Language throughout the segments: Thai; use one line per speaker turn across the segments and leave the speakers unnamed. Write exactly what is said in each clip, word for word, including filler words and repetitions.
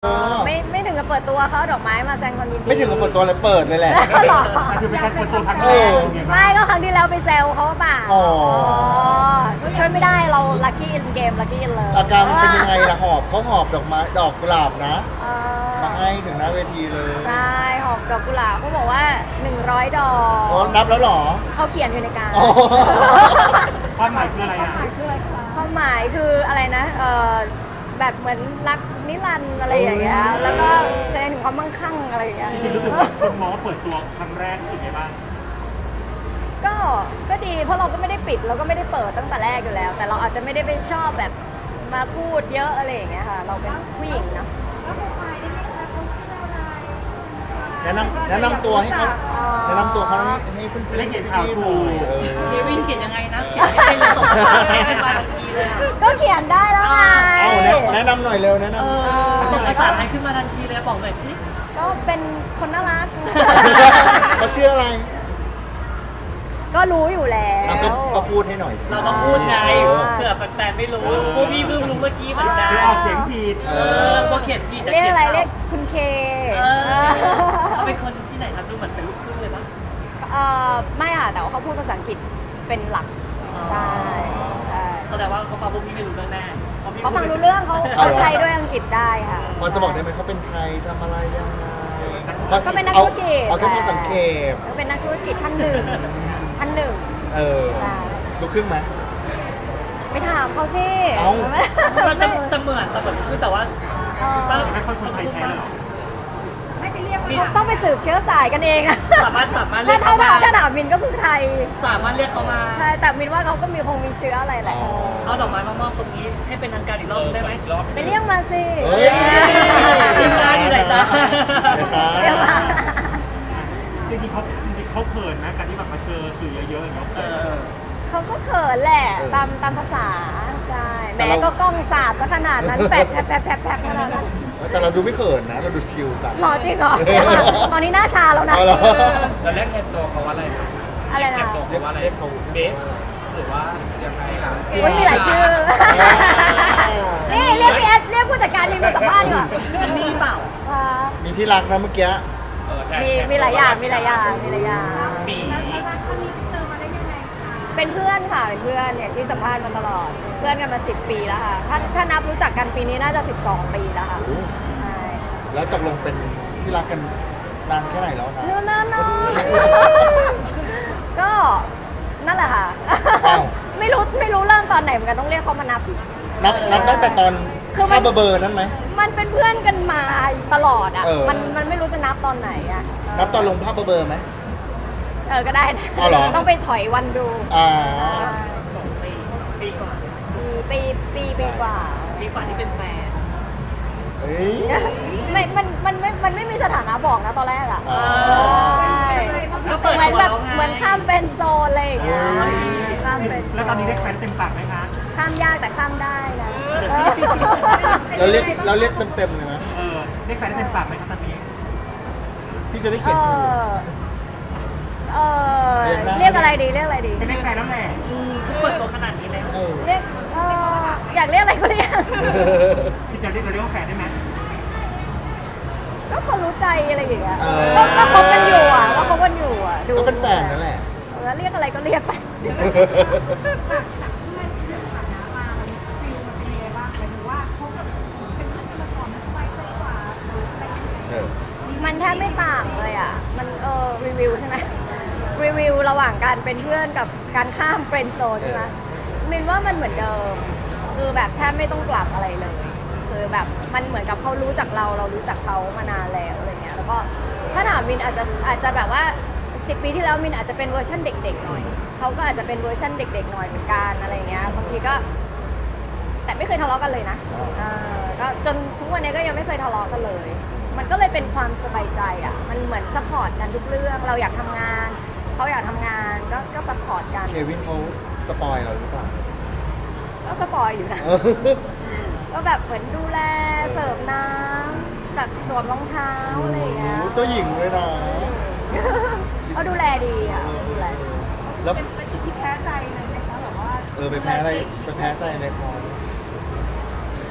เออไม่ไม่ถึงกับเปิดตัวเขาเอาดอกไม้มาแสดงความยินดี
ไม่ถึงกับเปิดตัวเลยเปิดเลยแหละ
หรอ
คือเป็นการเปิดตัวครั้ง
เอ
แรก
อ
ไงบ้าง
ไม่ก็ครั้งที่แล้วไปแซวเขาเปล่า
อ๋อ
ช่วยไม่ได้เราลัคกี้อินเกมลัคกี้อินเลย
อาการมันเป็นยังไงล่ะหอบเขาหอบดอกไม้ดอกกุหลาบนะ
เอ
มา
อ
ให้ถึงหน้าเวทีเลย
ใช่หอบดอกกุหลาบเขาบอกว่าหนึ่งร้อยดอก
อ๋อนับแล้วเหรอ
เขาเขียนอยู่ในการ
อ๋อ
ความหมายคืออะไรอ่ะ
ความหมายคืออะไรนะเออแบบเหมือนรักนิรันดร์อะไรอย่างเงี้ยแล้วก็แสดงถึงความมั่งคั่งอะไรอย่างเงี้ย
จริงๆรู้สึกว่าคนมองว่าเปิดตัวครั้งแรกรู้สึกไงบ้าง
ก็ ก็ดี เพราะเราก็ไม่ได้ปิด เราก็ไม่ได้เปิดตั้งแต่แรกอยู่แล้ว แต่เราอาจจะไม่ได้ไปชอบแบบมาพูดเยอะอะไรอย่างเงี้ยค่ะ เราเป็นผู้หญิงเนาะ
แนะนำแนะนำตัวให้เขา
อ๋อ
แนะนำตัวเขาให้ให้เพื่อนๆ
ได้เห็นข่าว
พี่ๆ
ถู
ดู
ก
เออ
เควินเขียนยังไงนะ เขียนให้เป็นตกเป็นมาทันทีเลยอะ
ก็เขียนได้แล้วไง
เอาแนะแนะนำหน่อยเร็วแนะน
เออส่งภาษาไทยขึ้นมาทันทีเลยบอกหน่อยสิ
ก็เป็นคนน่ารัก
ำเขาชื่ออะไร
ก็รู้อยู่แล้ว
เอาก็ก็พูดให้หน่อยสิ
เราต้องพูดไง
เออ
เผื่อแฟนๆไม่รู้พวกพี่เพิ่งรู้เมื่อกี้เหมือนกัน
หรือออกเสียงผิด
เออพวกเขียนผิดแต่
เรียก
เขียน
อะไร
ถูก
เรียกคุณเค
เออเขาเป็นคนที่ไหนครับดูเหมือนเป็นลูกครึ่งเลยปะ
เอ่อไม่ค่ะ แต่ว่าเขาพูดภาษาอังกฤษเป็นหลัก ใช่ใช่
แสดงว่าเขาฟังพวกพี่ไม่รู้เรื่องแน่พะพี่
เขาฟังรู้เรื่องเขาเขาไทยด้วยอังกฤษได้ค่ะ
พอจะบอกได้ไหมเขาเป็นใครทำอะไรยังไง
ก็เป็นนัก
อา
ธุรกิจ
เอาแค่พอสังเกต
ก็เป็นนักธุรกิจท่านหนึ่งท่านหนึ่ง
เออ
ได้
ลูกครึ่งไหม
ไปถามเขาสิ
เอ้า
ไม่
มันจะแต่เหมือนแต่เหมือนคือแต่ว่า
เออ
ไม่ค่อยคนไทยแท้เลยเหรอ
ต้องไปสืบเชื้อสายกันเองอะ
สามารถสามารถเรี
ถ้าย
ก
ถ้า
เขามา
ถ้าถามมินก็คือไทย
สามารถเรียกเขามา
ใช่แต่มินว่าเขาก็มีคงมีเชื้ออะไรแหละ
อ๋อ
เอาดอกไม้มามอบตรงนี้ให้เป็นทางการอีกรอบได้ไหม
ไปเรียกมาสิ
เฮ้ย
ทีมงานอยู่ไหนจ๊ะ
เรียกมา
จริงๆเขาจริงๆเขาเขินนะการที่แบบมาเจอสื่อเยอะๆเนาะ
เออ
เขาก็เขินแหละ
เออ
ตามตามภาษาใช่แห
แต่
ม้
เรา
ก็กล้องสาดซะขนาดนั้นแผลบแผลบแผลบแผลบแผลบขนาดนั้น
แต่เราดูไม่เขินนะ เราดูชิลจัง
หล่อจริงเหรอ ตอนนี้หน้าชาแล้วนะ
เอาเหรอ
เราเรียกแทนตัวเขาว่าอะไรนะ
อะไรนะ
เรียกตัวเขาว่าอะไร
เรียกเขา
เบสหรือว่ายังไงล่ะ
อุ๊ยมีหลายชื่อ นี่เรียกพี่เอสเรียกผู้จัดการมินมาสัมภาษณ์ดีกว่า
มันมีเปล่า
อ่า
มีที่รักนะเมื่อกี้
เออแทน
มีมีหลายอย่างมีหลายอย่างมีหลายอย่าง
ปี
เป็นเพื่อนค่ะเป็นเพื่อนเนี่ยที่สัมภาษณ์มาตลอดเพื่อนกันมาสิบปีแล้วค่ะถ้าถ้านับรู้จักกันปีนี้น่าจะสิบสองปีแล้วค่ะ
โอ้
ใช่
แล้วตกลงเป็นที่รักกันนานแค่ไหนแล้วนะ
นู่นนั่นนก็นั่นแหละค่ะ
อ้าว
ไม่รู้ไม่รู้เริ่มตอนไหนเหมือนกันต้องเรียกเขามานับ
นับนับตั้งแต่ตอน
คือมัน
ข้าเบอร์ๆนั้นไหม
มันเป็นเพื่อนกันมาตลอดอ่ะ
เออ
มันมันไม่รู้จะนับตอนไหนอ่ะ
นับตอนลงภาพเบอร์ๆไหม
เออก็ได้นะ
อ๋อเหรอ
ต้องไปถอยวันดู
อ่า
สองปีปีก่อน
ปีปีปีกว่า
ปีกว่าที่เป็นแฟน
เอ้ย
ไม่ มัน มันไม่ มันไม่มีสถานะบอกนะตอนแรกอ่ะ
อ๋อ
ใช่
ก็เปิด
เหมือน
ตัว
แบบ
แล้วไง
เหมือนข้ามเป็นโซนอะไรอย่างเงี้ย
อ๋อ
ข้ามเป็นโซ
แล้วตอนนี้ได้แฟนเต็มปากไหมคะ
ข้ามยากแต่ข้ามได้นะ
เราเรียกเราเรียกเต็มๆเลยนะ
เออได้แฟนเต็มปากไหมคะตอนนี้
พี่จะได้
เอ
เขียนถูก
อเออ
เรียกได้
เรียกอะไรดี เรียกอะไรดี
ไม่ได้แฟนแล้วแหละ
อืมเปิดตัวขนาดนี้แล้ว
เออ
เรียกเอออยากเรียกอะไรก็เรียก
พี่จะเรียกเราเรียกว่าแฟนได้ไหม
ก็คนรู้ใจอะไรอย่างเงี้ย
เออ
ก็ก็คบกันอยู่อ่ะ ก็คบกันอยู่อ่ะดู
ก็เป็นแฟนนั่นแหละ
เออเรียกอะไรก็เรียกไป
เออ
มันแทบไม่ต่างเลยอ่ะ มันเออรีวิวใช่ไหม รีวิวระหว่างการเป็นเพื่อนกับการข้ามเฟรนด์โซนใช่ไหมมินว่ามันเหมือนเดิม คือแบบแทบไม่ต้องปรับอะไรเลย คือแบบมันเหมือนกับเขารู้จักเราเรารู้จักเขามานานแล้วอะไรเงี้ย แล้วก็ถ้าถามมินอาจจะอาจจะแบบว่าสิบปีที่แล้วมินอาจจะเป็นเวอร์ชันเด็กๆหน่อย เขาก็อาจจะเป็นเวอร์ชันเด็กๆหน่อยเหมือนกันอะไรเงี้ย บางทีก็ แต่ไม่เคยทะเลาะกันเลยนะเออก็จนทุกวันนี้ก็ยังไม่เคยทะเลาะกันเลย มันก็เลยเป็นความสบายใจอ่ะ มันเหมือนซัพพอร์ตกันทุกเรื่อง เราอยากทำงาน เขาอยากทำงาน ก็ก็ซัพพอร์ตกัน
เควินเขาสปอยเราหรือเปล่า
ก็สปอยอยู่นะ
เออ
ก็แบบเหมือนดูแล เสิร์ฟน้ำ แบบสวมรองเท้าอะไรอย่างเงี้ย
โอ้เจ้าหญิงเลยนะ
เขาดูแลดีอ่ะดูแลดี
แล้ว
เป็นจุดที่แพ้ใจเลยไหมคะแบบว่า
เออไปแพ้อะไรไปแพ้ใจอะไรเขา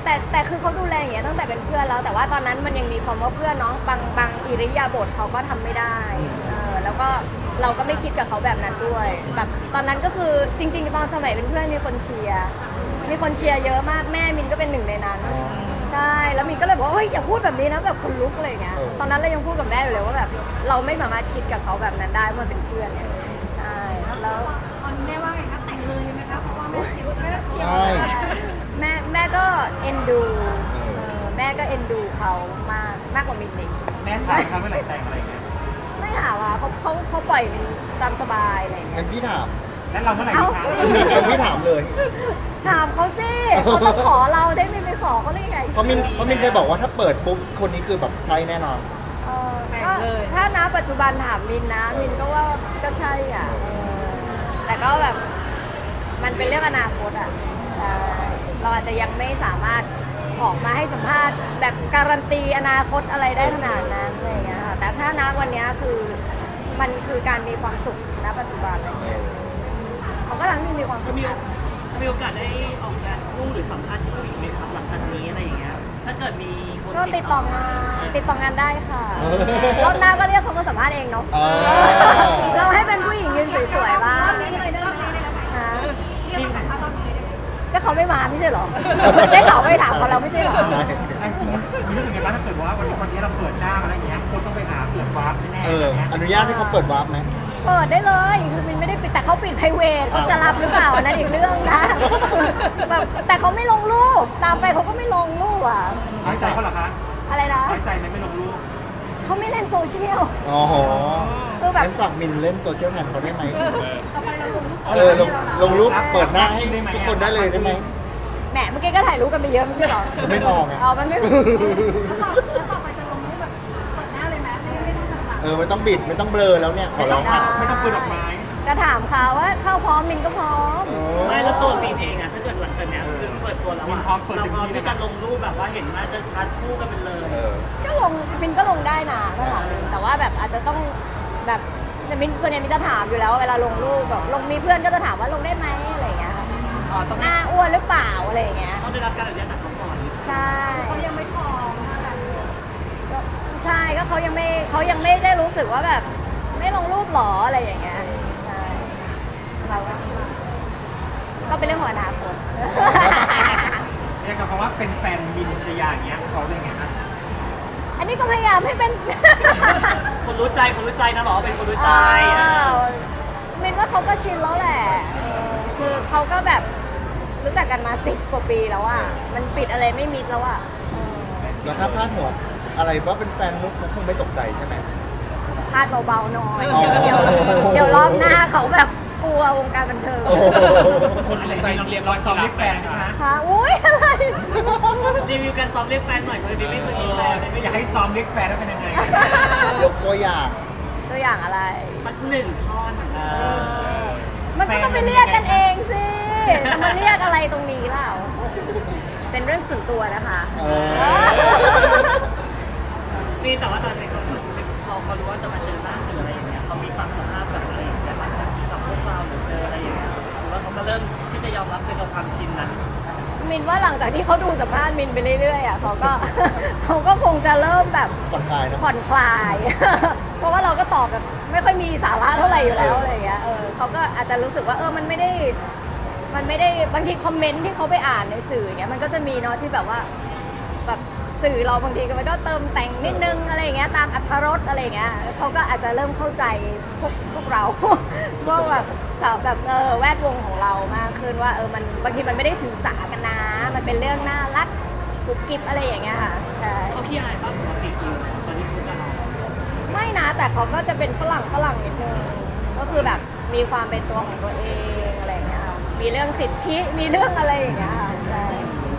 แต่แต่คือเขาดูแลอย่างเงี้ยตั้งแต่เป็นเพื่อนแล้ว แต่ว่าตอนนั้นมันยังมีความว่าเพื่อนเนาะบางบางอิริยาบถเขาก็ทำไม่ได้เออแล้วก็เราก็ไม่คิดกับเขาแบบนั้นด้วยแบบตอนนั้นก็คือจริง ๆ ตอนสมัยเป็นเพื่อนมีคนเชียร์มีคนเชียร์เยอะมากแม่มินก็เป็นหนึ่งในนั้นใช่แล้วมินก็เลยบอกว่าเฮ้ยอย่าพูดแบบนี้นะแบบคนลุกอะไรอย่างเงี้ยตอนนั้นเรายังพูดกับแม่อยู่เลยว่าแบบเราไม่สามารถคิดกับเขาแบบนั้นได้เมื่อเป็นเพื่อนเนี่ยใช่แล้ว
ตอนนี้แม่ว่าไงคะแต่งเลยไหมคะเพราะว่าแม่เชียร์แม่เชียร์
ใช่
แม่แม่ก็เอ็นดูเออแม่ก็เอ็นดูเขามากมากกว่ามินอีก
แม่ถามเขาเมื่อไหร่แต่งอะไรอย่างเงี้ย
ไม่ถามอ่ะเขาเขาเขาปล่อยมินตามสบายอะไรอย่างเงี้
งั้
ย
นพี่ถาม
แล้วเราเมื่อไหร่ดีคะ
งั้นพี่ถามเลย
ถามเขาสิเขาต้องขอเราได้มินไปขอเขาได้ยังไง
เพราะมินเพราะมินเคยบอกว่าถ้าเปิดปุ๊บคนนี้คือแบบใช่แน่นอน
เออก็ถ้านะปัจจุบันถามมินนะมินก็ว่าก็ใช่อ่ะเออแต่ก็แบบมันเป็นเรื่องอนาคตอ่ะใช่เราอาจจะยังไม่สามารถออกมาให้สัมภาษณ์แบบการันตีอนาคตอะไรได้ขนาดนั้นอะไรอย่างเงี้ยค่ะแต่ถ้านะวันเนี้ยคือมันคือการมีความสุขณปัจจุบันอะไรอย่างเงี้ยเขาก็ทำให้มินมีความสุข
มี
นะ
มีโอกาสได้ออกงานคู่หรือสัมภาษณ์คู่อีกไหมครับหลังจากนี้อะไรอย่างเงี้ยถ้าเกิดมีคน
ก็ติดต่องานติดต่องานได้ค่ะ
เออ
รอบหน้าก็เรียกเขามาสัมภาษณ์เองเนาะ
เออ
เราให้เป็นผู้หญิงยืนสวยๆบ้าง
รอบนี้เลยรอบนี้เลยแล้วไหม
ฮะ
เรียกมาสัมภาษณ์รอบนี้เลยได้ไหม
ก็เขาไม่มาไม่ใช่เหรอ ได้ข่าวไม่ถามเขาเราไม่ใช่เหรอ
ใช่
จริงๆมีรู้สึกไงบ้างถ้าเกิดว่าวันนี้วันนี้เราเปิดหน้ามาอะไรอย่างเงี้ยคนต้องไปหาเปิดวาร์ปแน่ๆ
เออ
ย่างเงี้ย
อนุญาตให้เขาเปิดวาร์ปไหม
เปิดได้เลยคือมินไม่ได้ปิดแต่เขาปิด private เขาจะรับหรือเปล่าอันนั้นอีกเรื่องนะแบบแต่เขาไม่ลงรูปตามไปเขาก็ไม่ลงรูปอ่ะ
น้อยใจเขาเหรอคะ
อะไรนะ
น้อยใจไหมไม่ลงรูป
เขาไม่เล่นโซเชียล
อ๋อโห
คือแบบ
งั้นฝากมินเล่นโซเชียลแทนเขาได้ไหม
ต่อไปเราลงรูป
เออลงลงรูปเปิดหน้าให้ทุกคนได้เลยได้ไหม
แหมเมื่อกี้ก็ถ่ายรูปกันไปเยอะไม่ใช่เหรอ
ไม่พอไง
เอามันไม่
แล้วต่อแล้วต่อไปจะลงรูปแบบเปิดหน้าเลยไหมไม่ไม่ต้องต่าง
เออไม่ต้องบิดไม่ต้องเบลอแล้วเนี่ยขอร้อง
ได้
อ่ะ
ไม่ต้องเปิดดอกไม้
จะถามเขาว่าเข้าพร้อมมินก็พร้อม
โอ้
ไม่แล้วตัวปีนเองอะถ้าเกิดหลังจากเนี้ยคือเปิดตัวแล้วอะเราพร้อมที่จะลงรูปแบบว่าเห็นหน้าจะชัดคู่กันไปเลย
เออ
ก็ลงมินก็ลงได้นะถ้าถามมินแต่ว่าแบบอาจจะต้องแบบแต่มินส่วนใหญ่มินจะถามอยู่แล้วเวลาลงรูปแบบลงมีเพื่อนก็จะถามว่าลงได้ไหมอะไรอย่างเงี้ยค่ะ
อ๋อต้อง
หน้าอ้วนหรือเปล่าอะไรอย่างเงี้ย
ต้องได้รับการอนุญาตจากเขาก่อน
ใช่
ๆเขายังไม่พร้อมนะคะ
ก็ใช่ก็เขายังไม่เขายังไม่ได้รู้สึกว่าแบบไม่ลงรูปหรออะไรอย่างเงี้ยใช่เราก็ก็เป็นเรื่องของอนาคต
เรียกกับคำว่าเป็นแฟนมินชยาอย่างเงี้ยเขาเป็นไงฮะ
อันนี้ก็พยายามให้เป็น
คนรู้ใจคนรู้ใจนะหรอเป็นคนรู้ใจ
อ้าวมินว่าเขาก็ชินแล้วแหละเออคือเขาก็แบบรู้จักกันมาสิบกว่าปีแล้วอ่ะ มันปิดอะไรไม่มิดแล้วอ่ะเออ
แล้วถ้าพลาดหัวอะไรว่าเป็นแฟนนุ๊กเขาคงไม่ตกใจใช่ไหม
พลาดเบาๆหน่อย
อ๋อ
เดี๋ยวเดี๋ยวรอบหน้าเขาแบบกลัววงการบันเทิง
โอ้โห
คนอะไรใจเรียบร้อยซ้อมเรียกแฟนใช่ไหม
ฮะอุ้ยอะไร
รีวิวการซ้อมเรียกแฟนหน่อยเพราะดิไม่เคยมีแฟนเลยไม่
อยากให้ซ้อมเรียกแฟนแล้วเป็นยังไง
ยกตัวอย่าง
ตัวอย่างอะไร
สักหนึ่งท่อน
มันก็ต้องไปเรียกกันเองสิจะมาเรียกอะไรตรงนี้เล่าเป็นเรื่องส่วนตัวนะคะ
เออ
มีแต่ว่าตอนนี้เขาเขาเขารู้ว่าจะมาเจอหน้าสื่ออะไรอย่างเงี้ยเขามีปรับสภาพแบบอะไรอย่างเงี้ยหลังจากที่กับพวกเราหรือเจออะไรอย่างเงี้ยหรือว่าเขามาเริ่มที่จะยอมรับในกับความชินนั้น
มินว่าหลังจากที่เขาดูสัมภาษณ์มินไปเรื่อยๆอ่ะเขาก็ เขาก็คงจะเริ่มแบบ
ผ่อนคลายนะ
ผ่อนคลาย เพราะว่าเราก็ตอบแบบไม่ค่อยมีสาระเท่าไหร่อยู่แล้วอะไรอย่างเงี้ยเออเขาก็อาจจะรู้สึกว่าเออมันไม่ได้ มันไม่ได้บางทีคอมเมนต์ที่เขาไปอ่านในสื่ออย่างเงี้ยมันก็จะมีเนาะที่แบบว่าแบบสื่อเราบางทีก็มันก็เติมแต่งนิดนึงอะไรอย่างเงี้ยตามอรรถรสอะไรอย่างเงี้ยเขาก็อาจจะเริ่มเข้าใจพวกพวกเรา พวกแบบสาวแบบเออแวดวงของเรามากขึ้นว่าเออมันบางทีมันไม่ได้ถือสากันนะ มันเป็นเรื่องน่ารักกุบกิบอะไรอย่างเงี้ยค่ะใช่
เขาขี้อายป่ะปกติคือตอนที่คุยกัน
ไม่นะแต่เขาก็จะเป็นฝรั่งฝรั่งนิดนึงก็คือแบบมีความเป็นตัวของตัวเองอะไรอย่างเงี้ยค่ะมีเรื่องสิทธิมีเรื่องอะไรอย่างเงี้ยค่ะใช่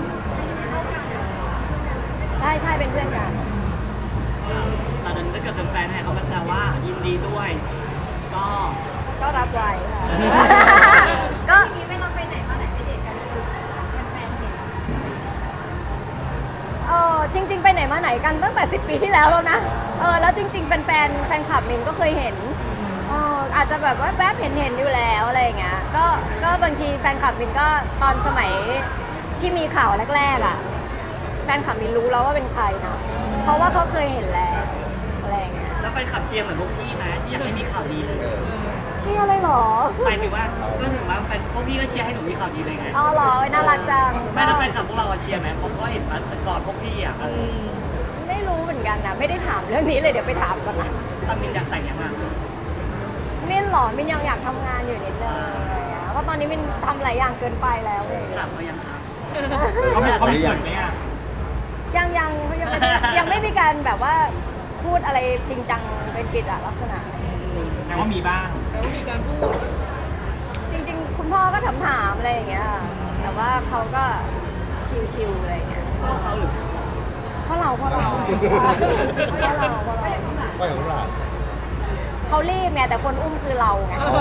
ใช่ใช่เป็นเพื่อนกัน
ตอนนั้นถ้าเกิดเป็นแฟนให้เขามาแซวว่ายินดีด้วย ก็
ก็รับไว้ค่ะ ก็
ทีนี้ไม่เราไปไหนมาไหนไปเดทกันแฟนๆเห็น
เออจริง ๆ ไปไหนมาไหนกันตั้งแต่สิบปีที่แล้วแล้วนะเออแล้วจริงๆแฟนแฟนแฟนคลับมินก็เคยเห็นเอออาจจะแบบว่าแวบเห็นเห็นอยู่แล้วอะไรอย่างเงี้ยก็ก็บางทีแฟนคลับมินก็ตอนสมัยที่มีข่าวแรกๆอ่ะแฟนคลับมินรู้แล้วว่าเป็นใครนะเพราะว่าเขาเคยเห็นแล้วอะไรอย่างเงี้ย
แล้วแฟนคลับเชียร์เหมือนพวกพี่ไหมที่อยากให้มีข่าวดีเลย
เออ
เชื่อเลยเหรอ
หมายถึงว่าก็ถึงว่าแฟนพวกพี่ก็เชียร์ให้หนูมีข่าวดีเลยไง
อ๋อเหรอน่ารักจัง
แม่แล้วแฟนคลับพวกเราอะเชียร์ไหมเพราะเขาเห็นมาแต่ก่อนพวกพี่อ่ะ
ไม่รู้เหมือนกันนะไม่ได้ถามเรื่องนี้เลยเดี๋ยวไปถามก่อนนะ
ตอนมินอยากแต่งยังไง
มินเหรอมินยังอยากทำงานอยู่นิดนึงอะไรอย่างเงี้ยเพราะตอนนี้มินทำหลายอย่างเกินไปแล้วเลย
ถามเขายังครับ
เขามีเขามีเกิดไหมอ่ะ
ยังยังยังไม่ได้ยังไม่มีการแบบว่าพูดอะไรจริงจังเป็นกิจลักษณะ
แต่ว่ามีบ้าง
จริงๆ คุณพ่อก็ถามถามๆอะไรอย่างเงี้ย แต่ว่าเขาก็ชิวๆอะไรอย่างเงี้ย
เพราะเขาหรือ
เพราะเราเพราะเราเพราะเราเพราะเรา
ก็อย่างนั้นแหละ
เขารีบไงแต่คนอุ้มคือเราไง
อ๋อ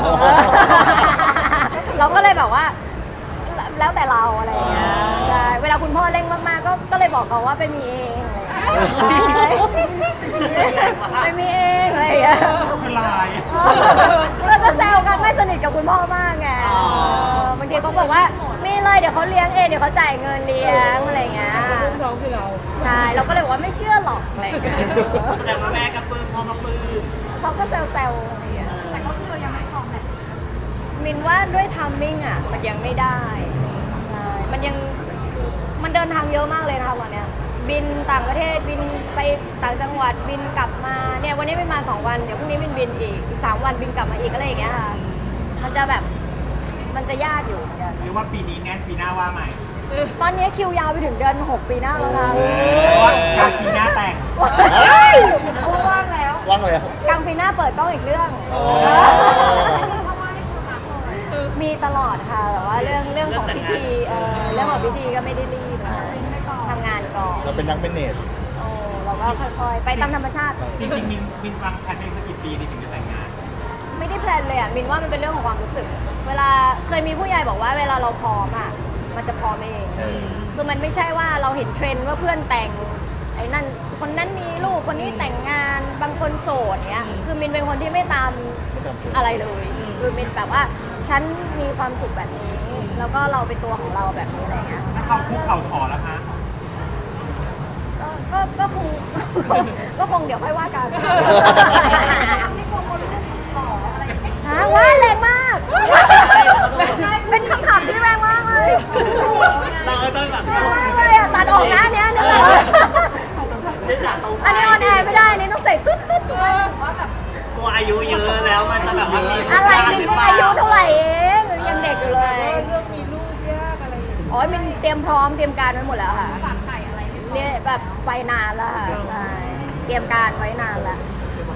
เราก็เลยแบบว่า แล้วแต่เราอะไรอย่างเงี้ยใช่เวลาคุณพ่อเร่งมากๆก็ก็เลยบอกเขาว่าไปมีเองอะไรอย่างเงี้ยไปมีเองอะไรอย่างเงี้ย
คือลาย
ก็จะแซวกันไม่สนิทกับคุณพ่อมากไงเออบางทีเขาบอกว่ามีเลยเดี๋ยวเขาเลี้ยงเองเดี๋ยวเขาจ่ายเงินเลี้ยงอะไรอย่างเงี้ยใช่เราก็เลยบอกว่าไม่เชื่อหรอกอะไรอย่างเงี้ย
แต่ว่าแม่กับปื้มพ่อกับปื้ม
เขาก็แซวๆอะไรอย่างเงี้ย
แต่ก็คือเรายังไม่พร้อมแหละ
มินว่าด้วยทัมมิ่งอ่ะมันยังไม่ได้ใช่มันยังมันเดินทางเยอะมากเลยนะคะวันเนี้ยบินต่างประเทศบินไปต่างจังหวัดบินกลับมาเนี่ยวันนี้บินมาสองวันเดี๋ยวพรุ่งนี้บินบินอีกอีกสามวันบินกลับมาอีกอะไรอย่างเงี้ยค่ะมันจะแบบมันจะยากอยู่เหมือนกัน
หรือว่าปีนี้แน่นปีหน้าว่าใหม่
ตอนนี้คิวยาวไปถึงเดือนหกปีหน้าแล้วนะ
เพราะว่ากลางปีหน้าแต่ง
ว่างแล้ว
ว่างเลย
กลางปีหน้าเปิดกล้องอีกเรื่อง
อ๋อ
มีช่องว่างให้คุณรักเลย
มีตลอดค่ะแต่ว่าเรื่องเรื่องของพิธีเออเรื่องของพิธีก็ไม่ได้รีบนะคะ
เป็นไปก่อน
ทำงานก่อน
เราเป็นนักเมเนจ
โอ้เราก็ค่อยๆ ไปตามธรรมชาติ
จริงๆมินมินวางแผนในสักกี่ปีดีถึงจะแต่งงาน
ไม่ได้แพลนเลยอ่ะมินว่ามันเป็นเรื่องของความรู้สึก เวลาเคยมีผู้ใหญ่บอกว่าเวลาเราพร้อมอ่ะมันจะพร้อมเอง
เออ
คือมันไม่ใช่ว่าเราเห็นเทรนด์ว่าเพื่อนแต่งไอ้นั่นคนนั้นมีลูกคนนี้แต่งงานบางคนโสดเนี้ยคือมินเป็นคนที่ไม่ตาม
ไม่จำเป็น
อะไรเลย คือมินแบบว่าฉันมีความสุขแบบนี้ แล้วก็เราเป็นตัวของเราแบบนี้อะไรเงี้ย
ถ้าเขาคุกเข่าขอแล้วคะ
ก็ก็ก็คง ก็คงเดี๋ยวค่อยว่ากัน
ไม่กลัวคนรู้สึกหล่ออะไรอย่างเงี้ย
ฮะว่าแรงมาก เป็นคำถามที่แรงมากเลย
เราก็ต้องแบบ
แรงมากเลยอ่ะตัดออกนะอันเนี้ยนึกออก
ได้จากตรง
อันนี้ออนแอร์ไม่ได้อันนี่ต้องใส่ตุ๊ดตุ๊ด
ว่าแบบ
กลัวอายุเยอะแล้วมันจะแบบว่ามี
อะไรมินเพิ่งอายุเท่าไหร่เองยังเด็กอยู่เลยเรื่องมีลูกยากอะไรอ๋อมินเตรียมพร้อมเตรียมการไว้หมดแล้วค่ะ
ฝากไข่อะไรไม่พอ
เนี่ยแบบไปนานแล้วค่ะใช่เตรียมการไว้นานแล้ว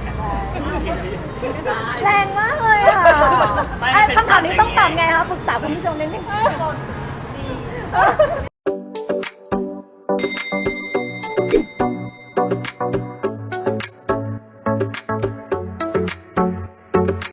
แรงมากเลยค่ะไอ้คำถามนี้ต้องตอบไงคะปรึกษาคุณผู้ชมนิดนึง
สดดี